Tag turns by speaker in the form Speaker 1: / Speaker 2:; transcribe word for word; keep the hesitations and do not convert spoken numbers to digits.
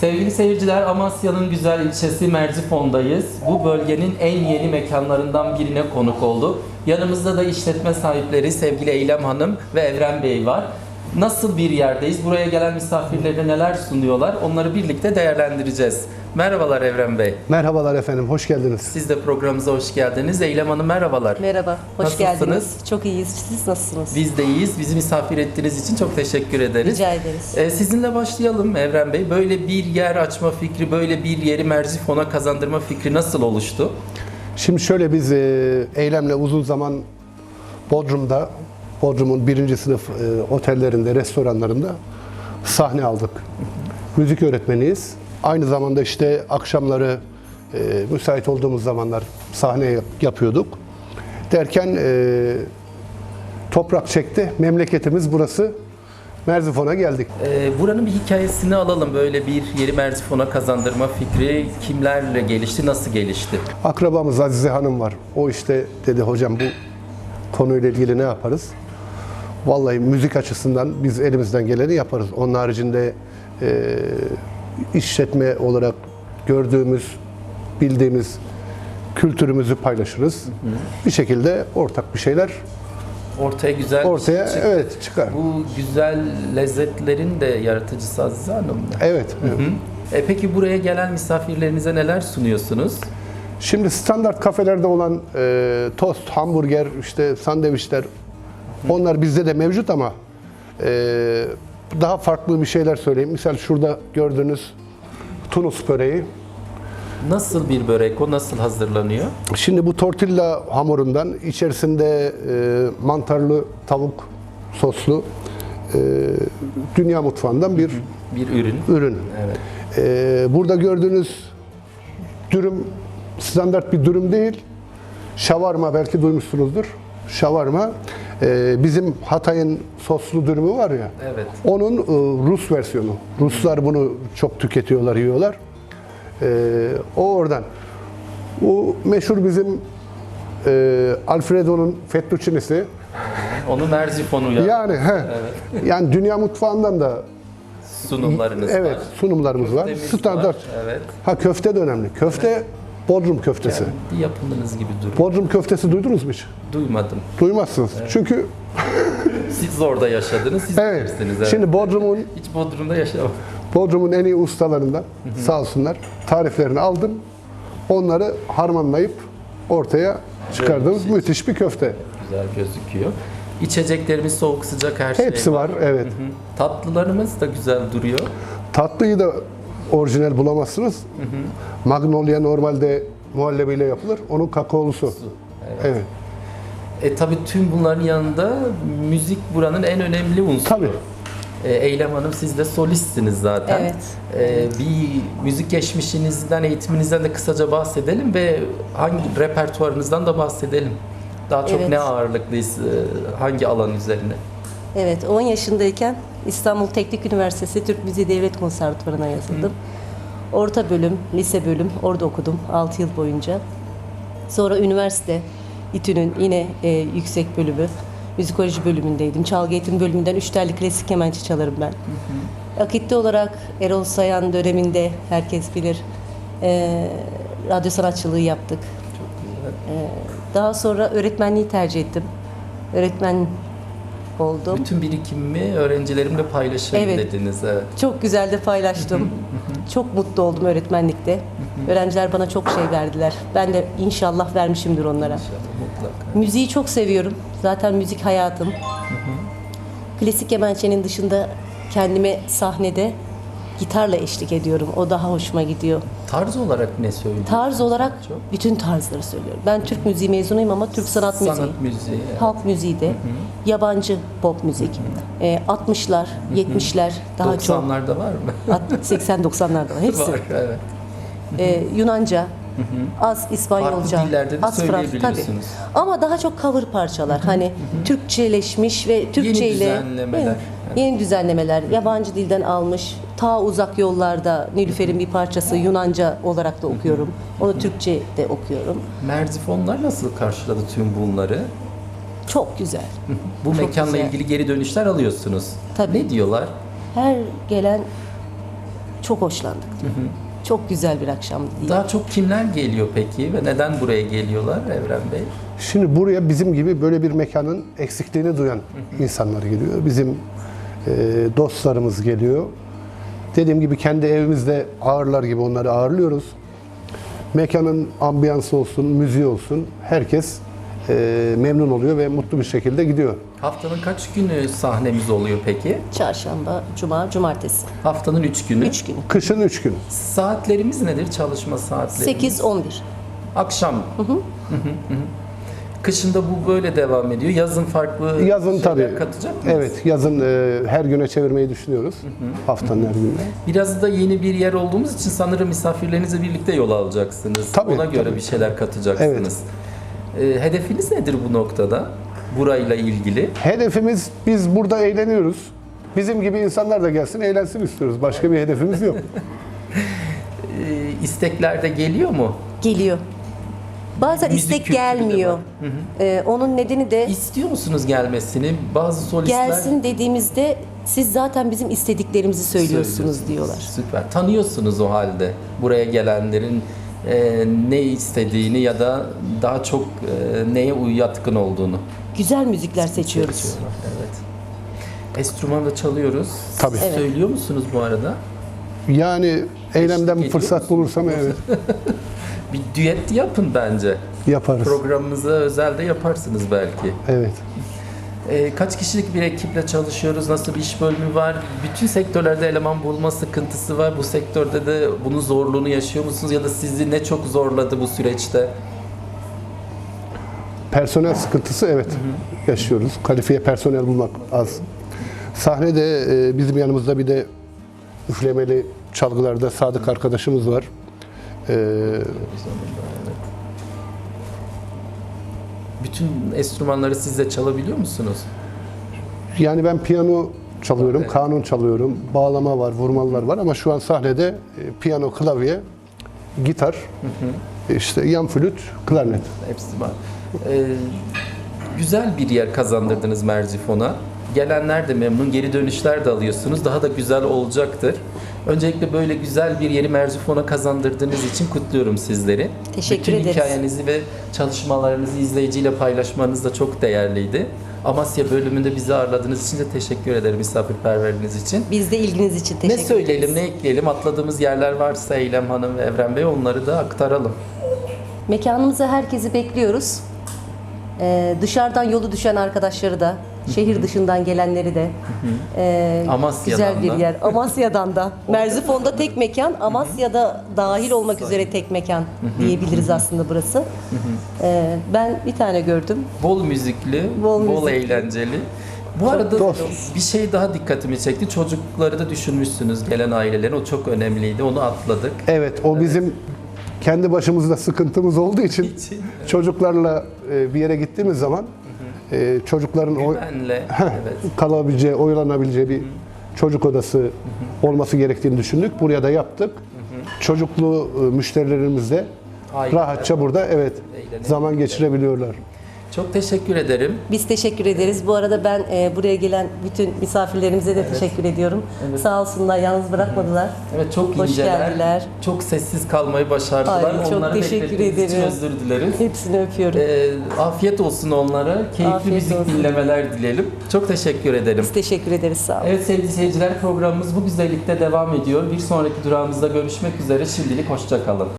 Speaker 1: Sevgili seyirciler, Amasya'nın güzel ilçesi Merzifon'dayız. Bu bölgenin en yeni mekanlarından birine konuk olduk. Yanımızda da işletme sahipleri sevgili Eylem Hanım ve Evren Bey var. Nasıl bir yerdeyiz? Buraya gelen misafirlerine neler sunuyorlar? Onları birlikte değerlendireceğiz. Merhabalar Evren Bey.
Speaker 2: Merhabalar efendim, hoş geldiniz.
Speaker 1: Siz de programımıza hoş geldiniz. Eylem Hanım merhabalar.
Speaker 3: Merhaba, hoş
Speaker 1: Nasılsınız?
Speaker 3: geldiniz. Çok iyiyiz. Siz nasılsınız?
Speaker 1: Biz de iyiyiz. Bizi misafir ettiğiniz için çok teşekkür ederiz.
Speaker 3: Rica ederiz.
Speaker 1: Ee, sizinle başlayalım Evren Bey. Böyle bir yer açma fikri, böyle bir yeri Merzifon'a kazandırma fikri nasıl oluştu?
Speaker 2: Şimdi şöyle biz e, Eylem'le uzun zaman Bodrum'da, Bodrum'un birinci sınıf e, otellerinde, restoranlarında sahne aldık. Müzik öğretmeniyiz. Aynı zamanda işte akşamları e, müsait olduğumuz zamanlar sahne yap- yapıyorduk. Derken e, toprak çekti. Memleketimiz burası. Merzifon'a geldik.
Speaker 1: Ee, buranın bir hikayesini alalım. Böyle bir yeri Merzifon'a kazandırma fikri kimlerle gelişti, nasıl gelişti?
Speaker 2: Akrabamız Azize Hanım var. O işte dedi hocam bu konuyla ilgili ne yaparız? Vallahi müzik açısından biz elimizden geleni yaparız. Onun haricinde e, işletme olarak gördüğümüz, bildiğimiz kültürümüzü paylaşırız. Hı hı. Bir şekilde ortak bir şeyler
Speaker 1: Ortaya güzel
Speaker 2: ortaya
Speaker 1: bir şey çık-
Speaker 2: evet çıkar.
Speaker 1: Bu güzel lezzetlerin de yaratıcısı Azize Hanım mı?
Speaker 2: Evet. evet.
Speaker 1: Hı. E peki buraya gelen misafirlerinize neler sunuyorsunuz?
Speaker 2: Şimdi standart kafelerde olan e, tost, hamburger, işte sandviçler, onlar bizde de mevcut ama e, daha farklı bir şeyler söyleyeyim. Misal şurada gördüğünüz Tunus böreği.
Speaker 1: Nasıl bir börek o? Nasıl hazırlanıyor?
Speaker 2: Şimdi bu tortilla hamurundan içerisinde e, mantarlı tavuk soslu e, dünya mutfağından bir
Speaker 1: Bir ürün.
Speaker 2: ürün.
Speaker 1: Evet.
Speaker 2: E, burada gördüğünüz dürüm standart bir dürüm değil. Şavarma belki duymuşsunuzdur. Şavarma e, bizim Hatay'ın soslu dürümü var ya.
Speaker 1: Evet.
Speaker 2: Onun e, Rus versiyonu. Ruslar bunu çok tüketiyorlar, yiyorlar. E, o oradan. Bu meşhur bizim e, Alfredo'nun fettuccinisi.
Speaker 1: Onu Merzifon'u ya
Speaker 2: Yani he. Yani dünya mutfağından da
Speaker 1: sunumlarınız
Speaker 2: evet
Speaker 1: var.
Speaker 2: sunumlarımız var.
Speaker 1: Köftemiz
Speaker 2: Standart.
Speaker 1: var, evet.
Speaker 2: Ha köfte de önemli. Köfte Bodrum köftesi.
Speaker 1: Kendi yapımınız gibi duruyor.
Speaker 2: Bodrum köftesi duydunuz mu hiç?
Speaker 1: Duymadım.
Speaker 2: Duymazsınız. Çünkü
Speaker 1: Siz orada yaşadınız, siz
Speaker 2: evet.
Speaker 1: bilirsiniz. Evet.
Speaker 2: Şimdi Bodrum'un
Speaker 1: Hiç Bodrum'da yaşamadım.
Speaker 2: Bodrum'un en iyi ustalarından sağ olsunlar tariflerini aldım. Onları harmanlayıp ortaya çıkardığımız
Speaker 1: Evet.
Speaker 2: müthiş bir köfte.
Speaker 1: Güzel gözüküyor. İçeceklerimiz soğuk sıcak her şey
Speaker 2: Hepsi var, evet.
Speaker 1: Hı hı. Tatlılarımız da güzel duruyor.
Speaker 2: Tatlıyı da orijinal bulamazsınız. Magnolia normalde muhallebiyle yapılır. Onun kakaolusu.
Speaker 1: Evet.
Speaker 2: Evet.
Speaker 1: E tabi tüm bunların yanında müzik buranın en önemli unsuru.
Speaker 2: Tabii.
Speaker 1: E, Eylem Hanım siz de solistsiniz zaten.
Speaker 3: Evet.
Speaker 1: E, bir müzik geçmişinizden, eğitiminizden de kısaca bahsedelim ve hangi repertuarınızdan da bahsedelim. Daha çok
Speaker 3: Evet.
Speaker 1: ne ağırlıklıyız, e, hangi alan üzerine?
Speaker 3: Evet, on yaşındayken İstanbul Teknik Üniversitesi Türk Müziği Devlet Konservatuvarı'na yazıldım. Orta bölüm, lise bölüm orada okudum altı yıl boyunca. Sonra üniversite, İTÜ'nün yine e, yüksek bölümü, müzikoloji bölümündeydim. Çalgı eğitim bölümünden üç telli klasik kemençe çalarım ben. Akitli olarak Erol Sayan döneminde herkes bilir e, radyo sanatçılığı yaptık. E, daha sonra öğretmenliği tercih ettim. Öğretmen oldum.
Speaker 1: Bütün birikimimi öğrencilerimle paylaşayım
Speaker 3: Evet.
Speaker 1: dediniz. Evet.
Speaker 3: Çok güzel de paylaştım. Çok mutlu oldum öğretmenlikte. Öğrenciler bana çok şey verdiler. Ben de inşallah vermişimdir onlara.
Speaker 1: İnşallah, mutlaka.
Speaker 3: Müziği çok seviyorum. Zaten müzik hayatım. Klasik kemençenin dışında kendime sahnede gitarla eşlik ediyorum. O daha hoşuma gidiyor.
Speaker 1: Tarz olarak ne söylüyorsunuz?
Speaker 3: Tarz olarak
Speaker 1: Çok.
Speaker 3: bütün tarzları söylüyorum. Ben Türk müziği mezunuyum ama Türk sanat müziği.
Speaker 1: Sanat müziği. evet.
Speaker 3: Halk müziği de, yabancı pop müzik. Ee, altmışlar, yetmişler daha çok.
Speaker 1: doksanlarda var mı?
Speaker 3: seksen doksanlarda var. Hepsi.
Speaker 1: Var, evet.
Speaker 3: Ee, Yunanca, az İspanyolca,
Speaker 1: Farklı dillerde de
Speaker 3: az Fransız. Tabii.
Speaker 1: söyleyebiliyorsunuz.
Speaker 3: Ama daha çok cover parçalar. Hani Türkçeleşmiş ve Türkçe ile
Speaker 1: düzenlemeler.
Speaker 3: Evet, yeni düzenlemeler. Yabancı dilden almış. Ta uzak yollarda Nilüfer'in bir parçası Yunanca olarak da okuyorum. Onu Türkçe de okuyorum.
Speaker 1: Merzifonlar nasıl karşıladı tüm bunları?
Speaker 3: Çok güzel.
Speaker 1: Bu
Speaker 3: Çok
Speaker 1: mekanla
Speaker 3: güzel.
Speaker 1: ilgili geri dönüşler alıyorsunuz.
Speaker 3: Tabii.
Speaker 1: Ne diyorlar?
Speaker 3: Her gelen Çok hoşlandık diyor. Çok güzel bir akşamdı diye.
Speaker 1: Daha çok kimler geliyor peki ve neden buraya geliyorlar Evren Bey?
Speaker 2: Şimdi buraya bizim gibi böyle bir mekanın eksikliğini duyan insanlar geliyor. Bizim e, dostlarımız geliyor. Dediğim gibi kendi evimizde ağırlar gibi onları ağırlıyoruz. Mekanın ambiyansı olsun, müziği olsun herkes e, memnun oluyor ve mutlu bir şekilde gidiyor.
Speaker 1: Haftanın kaç günü sahnemiz oluyor peki?
Speaker 3: Çarşamba, cuma, cumartesi.
Speaker 1: Haftanın üç günü.
Speaker 3: Üç günü.
Speaker 2: Kışın üç gün.
Speaker 1: Saatlerimiz nedir? Çalışma saatleri?
Speaker 3: sekiz on bir.
Speaker 1: Akşam. Hı hı. Hı hı. Kışında bu böyle devam ediyor. Yazın farklı
Speaker 2: Yazın
Speaker 1: şeyler
Speaker 2: tabii.
Speaker 1: katacak mıyız?
Speaker 2: Evet, yazın e, her güne çevirmeyi düşünüyoruz. Haftanın her gününe.
Speaker 1: Biraz da yeni bir yer olduğumuz için sanırım misafirlerinizle birlikte yol alacaksınız.
Speaker 2: Tabii,
Speaker 1: Ona göre
Speaker 2: tabii.
Speaker 1: bir şeyler katacaksınız. Ee, hedefiniz nedir bu noktada? Burayla ilgili.
Speaker 2: Hedefimiz, biz burada eğleniyoruz. Bizim gibi insanlar da gelsin, eğlensin istiyoruz. Başka bir hedefimiz yok.
Speaker 1: Ee, istekler de geliyor mu?
Speaker 3: Geliyor. Bazen
Speaker 1: Müzik
Speaker 3: istek
Speaker 1: kültürü de
Speaker 3: gelmiyor.
Speaker 1: var.
Speaker 3: Ee, onun nedeni de
Speaker 1: İstiyor musunuz gelmesini? Bazı solistler
Speaker 3: gelsin dediğimizde siz zaten bizim istediklerimizi söylüyorsunuz
Speaker 1: söylüyorsunuz.
Speaker 3: diyorlar.
Speaker 1: Süper. Tanıyorsunuz o halde buraya gelenlerin e, ne istediğini ya da daha çok e, neye uy- yatkın olduğunu.
Speaker 3: Güzel müzikler seçiyoruz.
Speaker 1: Seçiyorlar, evet. Enstrüman da çalıyoruz.
Speaker 2: Tabii.
Speaker 1: Siz
Speaker 3: Evet.
Speaker 1: söylüyor musunuz bu arada?
Speaker 2: Yani eylemden bir
Speaker 1: ediyor
Speaker 2: fırsat
Speaker 1: musunuz?
Speaker 2: bulursam evet
Speaker 1: Bir düet yapın bence.
Speaker 2: yaparız.
Speaker 1: Programımıza özel de yaparsınız belki.
Speaker 2: Evet.
Speaker 1: Ee, kaç kişilik bir ekiple çalışıyoruz? Nasıl bir iş bölümü var? Bütün sektörlerde eleman bulma sıkıntısı var. Bu sektörde de bunun zorluğunu yaşıyor musunuz? Ya da sizi ne çok zorladı bu süreçte?
Speaker 2: Personel sıkıntısı evet yaşıyoruz. Kalifiye personel bulmak az. Sahnede e, bizim yanımızda bir de üflemeli çalgılarda Sadık arkadaşımız var. E,
Speaker 1: Bütün enstrümanları siz de çalabiliyor musunuz?
Speaker 2: yani ben piyano çalıyorum,
Speaker 1: Evet.
Speaker 2: kanun çalıyorum, bağlama var, vurmalılar var ama şu an sahnede e, piyano, klavye, gitar, işte yan flüt, klarnet.
Speaker 1: Hepsi var. Ee, güzel bir yer kazandırdınız Merzifon'a. Gelenler de memnun, geri dönüşler de alıyorsunuz. Daha da güzel olacaktır. Öncelikle böyle güzel bir yeri Merzifon'a kazandırdığınız için kutluyorum sizleri.
Speaker 3: Teşekkür
Speaker 1: Bütün
Speaker 3: ederiz.
Speaker 1: hikayenizi ve çalışmalarınızı izleyiciyle paylaşmanız da çok değerliydi. Amasya bölümünde bizi ağırladığınız için de teşekkür ederim misafirperverliğiniz için.
Speaker 3: Biz de ilginiz için teşekkür
Speaker 1: Ne
Speaker 3: ederiz.
Speaker 1: söyleyelim, ne ekleyelim? Atladığımız yerler varsa Eylem Hanım ve Evren Bey onları da aktaralım.
Speaker 3: Mekanımıza herkesi bekliyoruz. Ee, dışarıdan yolu düşen arkadaşları da, şehir dışından gelenleri de e,
Speaker 1: Amasya'dan
Speaker 3: güzel bir
Speaker 1: da.
Speaker 3: yer. Amasya'dan da. Merzifon'da tek mekan, Amasya'da dahil olmak üzere tek mekan diyebiliriz aslında burası. Ee, ben bir tane gördüm.
Speaker 1: Bol müzikli,
Speaker 3: Bol
Speaker 1: bol,
Speaker 3: müzikli.
Speaker 1: eğlenceli. Bu arada
Speaker 2: dost.
Speaker 1: bir şey daha dikkatimi çekti. Çocukları da düşünmüşsünüz gelen ailelerin. O çok önemliydi. Onu atladık.
Speaker 2: Evet, o bizim kendi başımızda sıkıntımız olduğu için
Speaker 1: İçin.
Speaker 2: çocuklarla e, bir yere gittiğimiz zaman e, çocukların o,
Speaker 1: Güvenle. Evet.
Speaker 2: kalabileceği, oylanabileceği bir çocuk odası olması gerektiğini düşündük. Buraya da yaptık. Çocuklu e, müşterilerimiz de
Speaker 1: Aileler.
Speaker 2: rahatça burada evet
Speaker 1: Eğlenebilirler.
Speaker 2: zaman geçirebiliyorlar.
Speaker 1: Çok teşekkür ederim.
Speaker 3: Biz teşekkür ederiz. Bu arada ben e, buraya gelen bütün misafirlerimize de teşekkür ediyorum. Sağ olsunlar, yalnız bırakmadılar.
Speaker 1: Evet, çok
Speaker 3: Hoş
Speaker 1: inceler.
Speaker 3: geldiler.
Speaker 1: Çok sessiz kalmayı başardılar.
Speaker 3: Ay, çok
Speaker 1: Onları
Speaker 3: teşekkür
Speaker 1: beklettiğimiz için
Speaker 3: ederim.
Speaker 1: özür dileriz.
Speaker 3: Hepsini öpüyorum.
Speaker 1: Ee, afiyet olsun onlara. Keyifli
Speaker 3: Afiyet
Speaker 1: müzik
Speaker 3: olsun.
Speaker 1: dinlemeler dileyelim. Çok teşekkür ederim.
Speaker 3: Biz teşekkür ederiz. Sağ olun.
Speaker 1: Evet sevgili seyirciler, programımız bu güzellikte devam ediyor. Bir sonraki durağımızda görüşmek üzere. Şimdilik hoşça kalın.